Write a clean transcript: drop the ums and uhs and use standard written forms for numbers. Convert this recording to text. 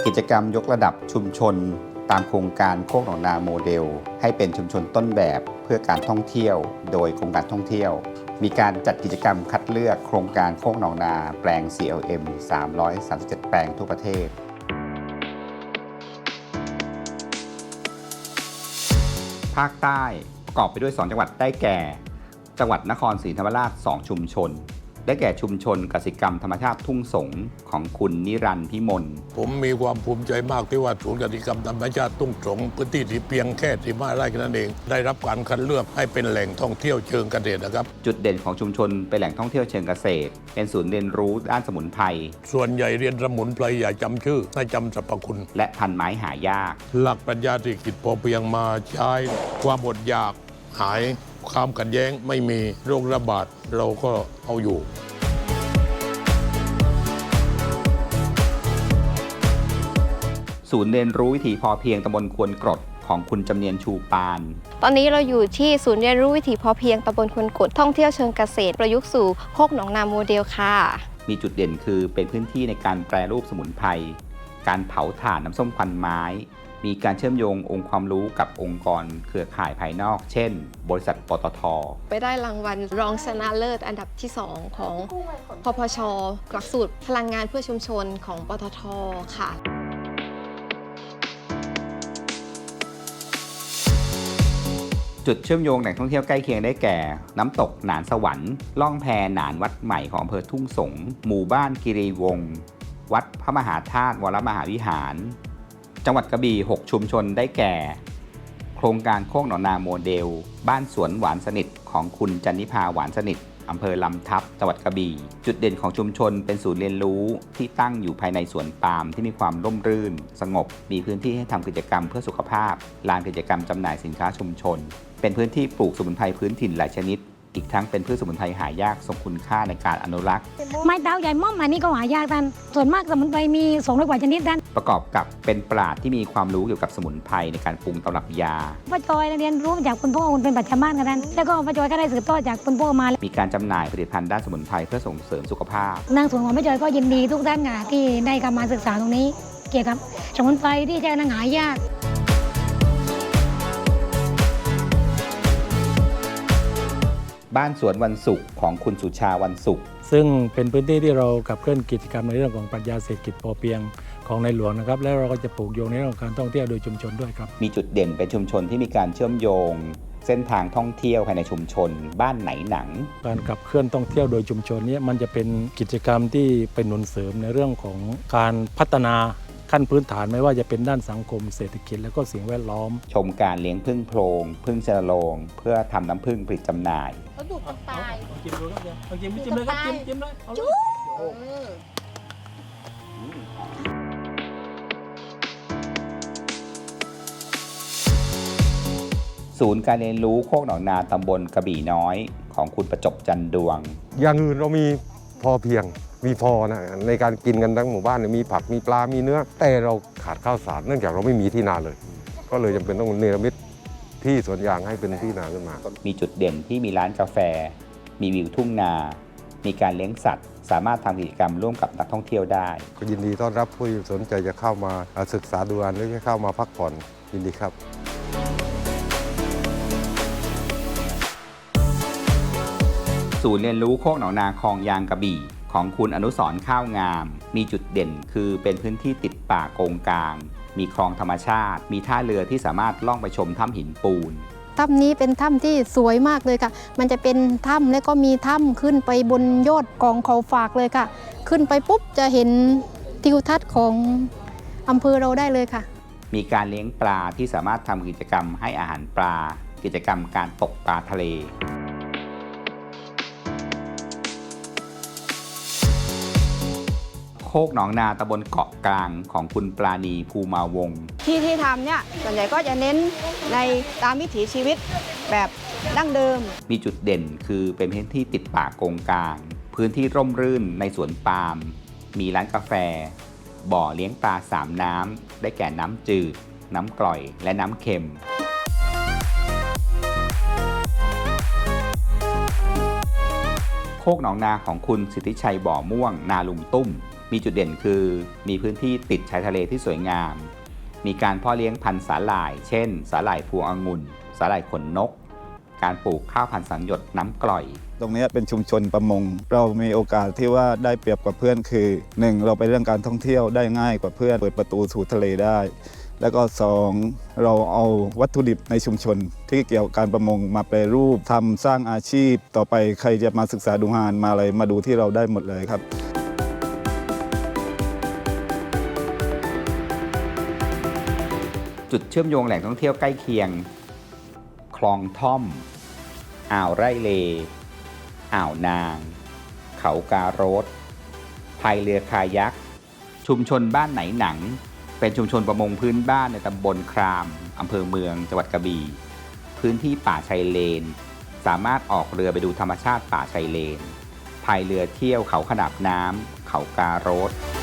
กิจกรรมยกระดับชุมชนตามโครงการโคกหนองนาโมเดลให้เป็นชุมชนต้นแบบเพื่อการท่องเที่ยวโดยกรมการท่องเที่ยวมีการจัดกิจกรรมคัดเลือกโครงการโคกหนองนาแปลง CLM 337 แปลงทั่วประเทศภาคใต้ประกอบไปด้วย2จังหวัดได้แก่จังหวัดนครศรีธรรมราช2ชุมชนได้แก่ชุมชนกสิกรรมธรรมชาติทุ่งสงของคุณนิรันดร์พิมลผมมีความภูมิใจมากที่ว่าศูนย์กสิกรรมธรรมชาติทุ่งสงพื้นที่ที่เพียงแค่15 ไร่แค่นั้นเองได้รับการคัดเลือกให้เป็นแหล่งท่องเที่ยวเชิงเกษตรนะครับจุดเด่นของชุมชนเป็นแหล่งท่องเที่ยวเชิงเกษตรเป็นศูนย์เรียนรู้ด้านสมุนไพรส่วนใหญ่เรียนสมุนไพรอย่าจำชื่อให้จำสรรพคุณและพันไม้หายากหลักปรัชญาเศรษฐกิจพอเพียงมาใช้ความอดอยากหายความขัดแย้งไม่มีโรคระบาดเราก็เอาอยู่ศูนย์เรียนรู้วิถีพอเพียงตำบลควนกรดของคุณจำเนียนชูปานตอนนี้เราอยู่ที่ศูนย์เรียนรู้วิถีพอเพียงตำบลควนกรดท่องเที่ยวเชิงเกษตรประยุกต์สู่โคกหนองนาโมเดลค่ะมีจุดเด่นคือเป็นพื้นที่ในการแปรรูปสมุนไพรการเผาถ่านน้ำส้มควันไม้มีการเชื่อมโยงองค์ความรู้กับองค์กรเครือข่ายภายนอกเช่นบริษัทปตท. ไปได้รางวัลรองชนะเลิศอันดับที่2ของพพช.หลักสูตรพลังงานเพื่อชุมชนของปตท.ค่ะจุดเชื่อมโยงแหล่งท่องเที่ยวใกล้เคียงได้แก่น้ำตกหนานสวรรค์ล่องแพหนานวัดใหม่ของอำเภอทุ่งสงหมู่บ้านกิรีวงศ์วัดพระมหาธาตุวรมหาวิหารจังหวัดกระบี่6ชุมชนได้แก่โครงการโคกหนองนาโมเดลบ้านสวนหวานสนิทของคุณจันนิพาหวานสนิทอำเภอลำทับจังหวัดกระบี่จุดเด่นของชุมชนเป็นศูนย์เรียนรู้ที่ตั้งอยู่ภายในสวนปาล์มที่มีความร่มรื่นสงบมีพื้นที่ให้ทำกิจกรรมเพื่อสุขภาพลานกิจกรรมจำหน่ายสินค้าชุมชนเป็นพื้นที่ปลูกสมุนไพรพื้นถิ่นหลายชนิดอีกทั้งเป็นพืชสมุนไพรหายากทรงคุณค่าในการอนุรักษ์ไม้เท้าใหญ่ม่อมอันนี้ก็หายากท่านส่วนมากสมุนไพรมี200 กว่าชนิดท่านประกอบกับเป็นปราชญ์ที่มีความรู้เกี่ยวกับสมุนไพรในการปรุงตำรับยาป้าจอยเรียนรู้จากคุณพ่อคุณเป็นปัจจุบันกันท่านแล้วก็ป้าจอยก็ได้สืบทอดจากคุณพ่อมามีการจำหน่ายผลิตภัณฑ์ด้านสมุนไพรเพื่อส่งเสริมสุขภาพนางสวนของป้าจอยก็ยินดีทุกท่านค่ะที่ได้เข้ามาศึกษาตรงนี้เกี่ยวกับสมุนไพรที่จะหายากบ้านสวนวันศุกร์ของคุณสุชาวันศุกร์ซึ่งเป็นพื้นที่ที่เราขับเคลื่อนกิจกรรมในเรื่องของปรัชญาเศรษฐกิจพอเพียงของในหลวงนะครับแล้วเราก็จะปลูกโยงในเรื่องของการท่องเที่ยวโดยชุมชนด้วยครับมีจุดเด่นเป็นชุมชนที่มีการเชื่อมโยงเส้นทางท่องเที่ยวภายในชุมชนบ้านไหนหนังการขับเคลื่อนท่องเที่ยวโดยชุมชนนี้มันจะเป็นกิจกรรมที่เป็นหนุนเสริมในเรื่องของการพัฒนาขั้นพื้นฐานไม่ว่าจะเป็นด้านสังคมเศรษฐกิจและก็สิ่งแวดล้อมชมการเลี้ยงผึ้งโพรงผึ้งชนโรงเพื่อทำน้ำผึ้งผลิตจำหน่ายเขาดูคนตายจิ้มดูครับจิ้มเลยครับจิ้มเลยจุ๊ศูนย์การเรียนรู้โคกหนองนาตำบลกระบี่น้อยของคุณประจบจันดวงอย่างอื่นเรามีพอเพียงมีพอนะในการกินกันทั้งหมู่บ้านมีผักมีปลามีเนื้อแต่เราขาดข้าวสารเนื่องจากเราไม่มีที่นาเลยก็เลยจำเป็นต้องเนรมิตที่สวนยางให้เป็นที่นาขึ้นมามีจุดเด่นที่มีร้านกาแฟมีวิวทุ่งนามีการเลี้ยงสัตว์สามารถทำกิจกรรมร่วมกับนักท่องเที่ยวได้ก็ยินดีต้อนรับผู้สนใจจะเข้ามาศึกษาดูงานหรือจะเข้ามาพักผ่อนยินดีครับศูนย์เรียนรู้โคกหนองนาคลองยางกระบี่ของคุณอนุสรณ์ข้าวงามมีจุดเด่นคือเป็นพื้นที่ติดป่าโกงกลางมีคลองธรรมชาติมีท่าเรือที่สามารถล่องไปชมถ้ำหินปูนถ้ำนี้เป็นถ้ำที่สวยมากเลยค่ะมันจะเป็นถ้ำและก็มีถ้ำขึ้นไปบนยอดของเขาฝากเลยค่ะขึ้นไปปุ๊บจะเห็นทิวทัศน์ของอำเภอเราได้เลยค่ะมีการเลี้ยงปลาที่สามารถทำกิจกรรมให้อาหารปลากิจกรรมการตกปลาทะเลโคกหนองนาตำบลเกาะกลางของคุณปราณีภูมาวงศ์ที่ทำเนี่ยส่วนใหญ่ก็จะเน้นในตามวิถีชีวิตแบบดั้งเดิมมีจุดเด่นคือเป็นพื้นที่ติดป่าโกงกลางพื้นที่ร่มรื่นในสวนปาล์มมีร้านกาแฟบ่อเลี้ยงปลา3น้ำได้แก่น้ำจืดน้ำกร่อยและน้ำเค็มโคกหนองนาของคุณสิทธิชัยบ่อม่วงนาลุมตุ้มมีจุดเด่นคือมีพื้นที่ติดชายทะเลที่สวยงาม มีการเพาะเลี้ยงพันธุ์สาหร่าย เช่น สาหร่ายพวงองุ่น สาหร่ายขนนก การปลูกข้าวพันธุ์สังหยดน้ำกร่อยตรงนี้เป็นชุมชนประมง เรามีโอกาสที่ว่าได้เปรียบกว่าเพื่อนคือ 1. เราไปเรื่องการท่องเที่ยวได้ง่ายกว่าเพื่อนเปิดประตูสู่ทะเลได้ แล้วก็ 2. เราเอาวัตถุดิบในชุมชนที่เกี่ยวกับการประมงมาแปรรูปทำสร้างอาชีพต่อไปใครจะมาศึกษาดูงานมาอะไรมาดูที่เราได้หมดเลยครับจุดเชื่อมโยงแหล่งท่องเที่ยวใกล้เคียง คลองท่อม อ่าวไร่เล อ่าวนาง เขาการถพายเรือคายัก ชุมชนบ้านไหนหนัง เป็นชุมชนประมงพื้นบ้านในตำบลคราม อำเภอเมือง จังหวัดกระบี่ พื้นที่ป่าชายเลน สามารถออกเรือไปดูธรรมชาติป่าชายเลน พายเรือเที่ยวเขาขนาบน้ำ เขาการถ